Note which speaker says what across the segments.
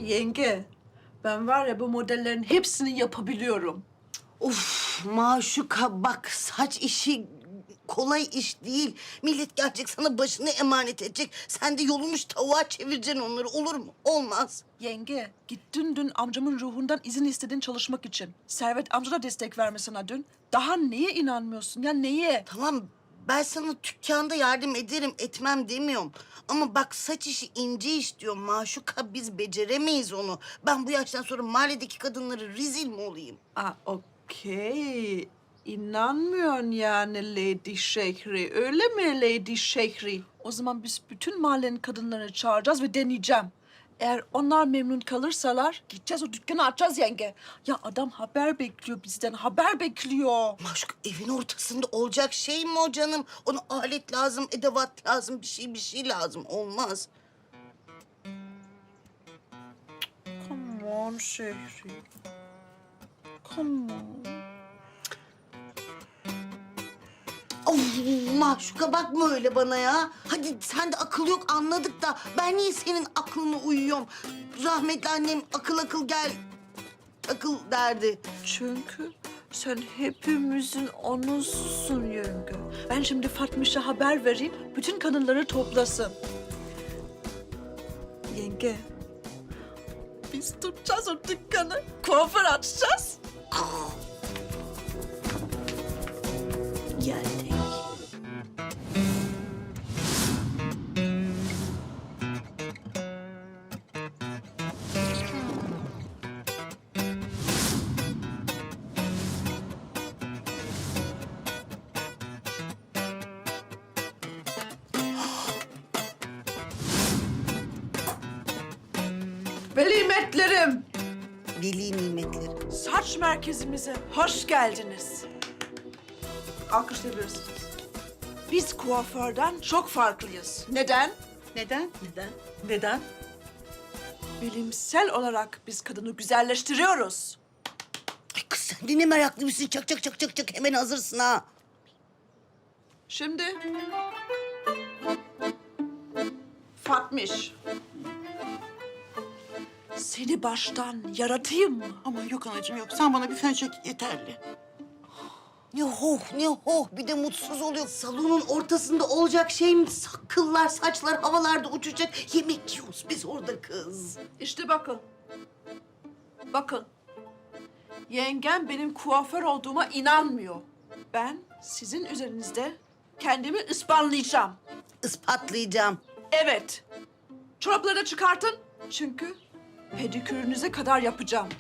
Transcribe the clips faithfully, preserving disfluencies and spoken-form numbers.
Speaker 1: Yenge, ben var ya bu modellerin hepsini yapabiliyorum.
Speaker 2: Of Maşuka bak, saç işi kolay iş değil. Millet gelecek sana başını emanet edecek. Sen de yolumuş tavuğa çevireceksin onları, olur mu? Olmaz.
Speaker 1: Yenge, gittin dün amcamın ruhundan izin istedin çalışmak için. Servet amca da destek verme sana dün. Daha neye inanmıyorsun ya, neye?
Speaker 2: Tamam, ben sana dükkanda yardım ederim, etmem demiyorum. Ama bak, saç işi ince iş diyorum Maşuka, biz beceremeyiz onu. Ben bu yaştan sonra mahalledeki kadınları rezil mi olayım?
Speaker 1: Aa, okey. İnanmıyorsun yani Lady Şehri. Öyle mi Lady Şehri? O zaman biz bütün mahallenin kadınlarını çağıracağız ve deneyeceğim. Eğer onlar memnun kalırsalar gideceğiz o dükkanı açacağız yenge. Ya adam haber bekliyor bizden, haber bekliyor.
Speaker 2: Maşuka, evin ortasında olacak şey mi o canım? Ona alet lazım, edevat lazım, bir şey bir şey lazım. Olmaz.
Speaker 1: Come on Şehri. Come on.
Speaker 2: Of Maşuka, bakma öyle bana ya. Hadi sen de akıl yok anladık da ben niye senin aklına uyuyorum? Rahmetli annem akıl akıl gel takıl derdi.
Speaker 1: Çünkü sen hepimizin onususun yenge. Ben şimdi Fatmiş'e haber vereyim, bütün kadınları toplasın. Yenge, biz tutacağız o dükkanı, kuaför açacağız.
Speaker 2: Geldik.
Speaker 1: Velimetlerim,
Speaker 2: Veli nimetleri.
Speaker 1: saç merkezimize hoş geldiniz. Alkışlayabilirsiniz. Biz kuaförden çok farklıyız. Neden?
Speaker 3: Neden?
Speaker 2: Neden?
Speaker 3: Neden?
Speaker 1: Bilimsel olarak biz kadını güzelleştiriyoruz.
Speaker 2: Ay kız, sen de ne meraklı mısın? Çak çak çak çak çak, hemen hazırsın ha.
Speaker 1: Şimdi Fatmiş, seni baştan yaratayım mı?
Speaker 3: Ama yok anacığım yok. Sen bana bir fön çek yeterli.
Speaker 2: Ne hoh ne hoh, bir de mutsuz oluyor. Salonun ortasında olacak şey mi? Kıllar, saçlar havalarda uçacak. Yemek yiyoruz biz orada kız.
Speaker 1: İşte bakın, bakın. Yengem benim kuaför olduğuma inanmıyor. Ben sizin üzerinizde kendimi ispatlayacağım.
Speaker 2: Ispatlayacağım.
Speaker 1: Evet, çorapları da çıkartın. Çünkü pedikürünüze kadar yapacağım.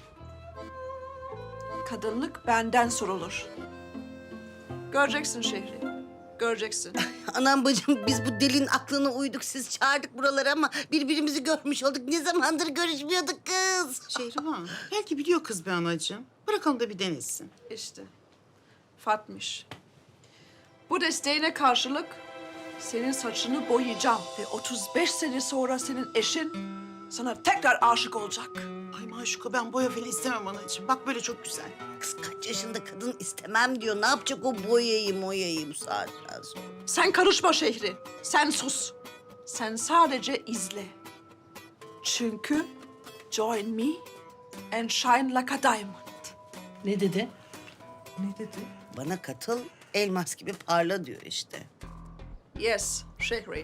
Speaker 1: Kadınlık benden sorulur. Göreceksin Şehri, göreceksin.
Speaker 2: Anam bacım, biz bu delinin aklına uyduk. Siz çağırdık buralara ama birbirimizi görmüş olduk. Ne zamandır görüşmüyorduk kız.
Speaker 3: Şehriban, belki biliyor kız be anacığım. Bırakalım da bir denesin.
Speaker 1: İşte Fatmiş. Bu desteğine karşılık senin saçını boyayacağım ve otuz beş sene sonra senin eşin sana tekrar aşık olacak.
Speaker 3: Ay Maşuka, ben boya falan istemem anacığım. Bak böyle çok güzel.
Speaker 2: Kız kaç yaşında kadın istemem diyor. Ne yapacak o boyayı moyayı bu saatten sonra?
Speaker 1: Sen karışma Şehri, sen sus. Sen sadece izle. Çünkü join me and shine like a diamond.
Speaker 3: Ne dedi? Ne dedi?
Speaker 2: Bana katıl, elmas gibi parla diyor işte.
Speaker 1: Yes, Şehri.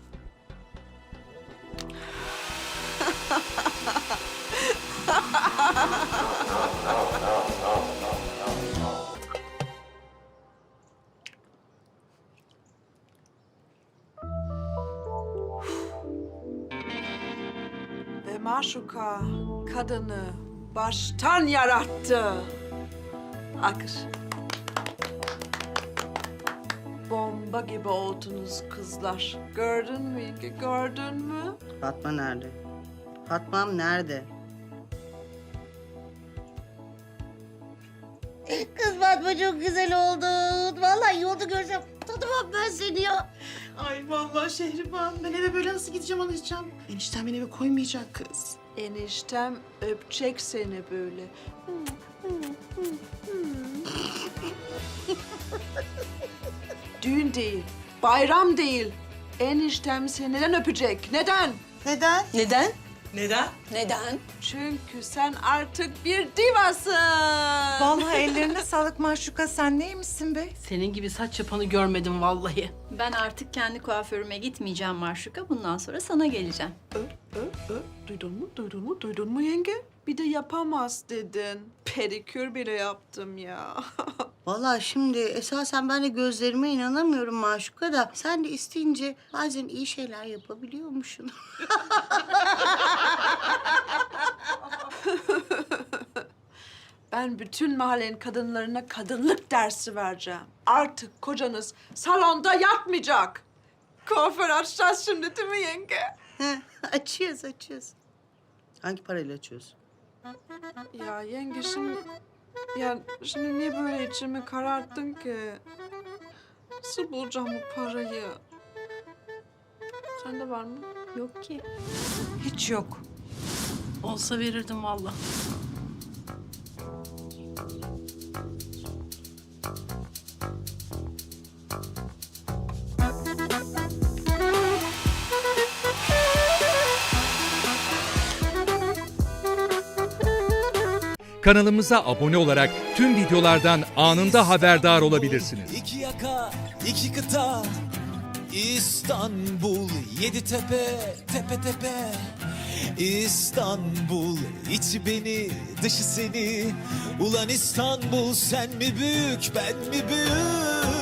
Speaker 1: Ve Maşuka kadını baştan yarattı. Akır. Bomba gibi oldunuz kızlar. Gördün mü Yenge, gördün mü?
Speaker 2: Fatma nerede? Fatma'm nerede? Kız Fatma çok güzel oldun. Vallahi yolda görsem tanımam ben seni ya.
Speaker 3: Ay vallahi Şehriban, ben eve böyle nasıl gideceğim anacığım? Enişten beni eve koymayacak kız.
Speaker 1: Eniştem öpecek seni böyle. Düğün değil, bayram değil. Eniştem seni neden öpecek? Neden?
Speaker 3: Neden?
Speaker 2: Neden?
Speaker 4: Neden?
Speaker 5: Neden?
Speaker 1: Çünkü sen artık bir divasın.
Speaker 4: Vallahi ellerine sağlık Maşuka. Sen neymişsin be?
Speaker 3: Senin gibi saç yapanı görmedim vallahi.
Speaker 5: Ben artık kendi kuaförüme gitmeyeceğim Maşuka. Bundan sonra sana geleceğim.
Speaker 1: Ö, ö, ö. Duydun mu, duydun mu, duydun mu yenge? Bir de yapamaz dedin. Pedikür bile yaptım ya.
Speaker 2: Vallahi şimdi esasen ben de gözlerime inanamıyorum Maşuka da. Sen de isteyince bazen iyi şeyler yapabiliyormuşsun.
Speaker 1: Ben bütün mahallenin kadınlarına kadınlık dersi vereceğim. Artık kocanız salonda yatmayacak. Kuaför açacağız şimdi değil mi yenge?
Speaker 2: Heh, açıyoruz, açıyoruz. Hangi parayla açıyoruz?
Speaker 1: Ya yenge şimdi... Ya şimdi niye böyle içimi kararttın ki? Nasıl bulacağım bu parayı? Sende var mı?
Speaker 5: Yok ki.
Speaker 4: Hiç yok.
Speaker 3: Olsa verirdim vallahi.
Speaker 6: Kanalımıza abone olarak tüm videolardan anında haberdar olabilirsiniz.
Speaker 7: İki yaka, iki kıta, İstanbul, yedi tepe, tepe tepe. İstanbul, içi beni, dışı seni. Ulan İstanbul, sen mi büyük, ben mi büyük?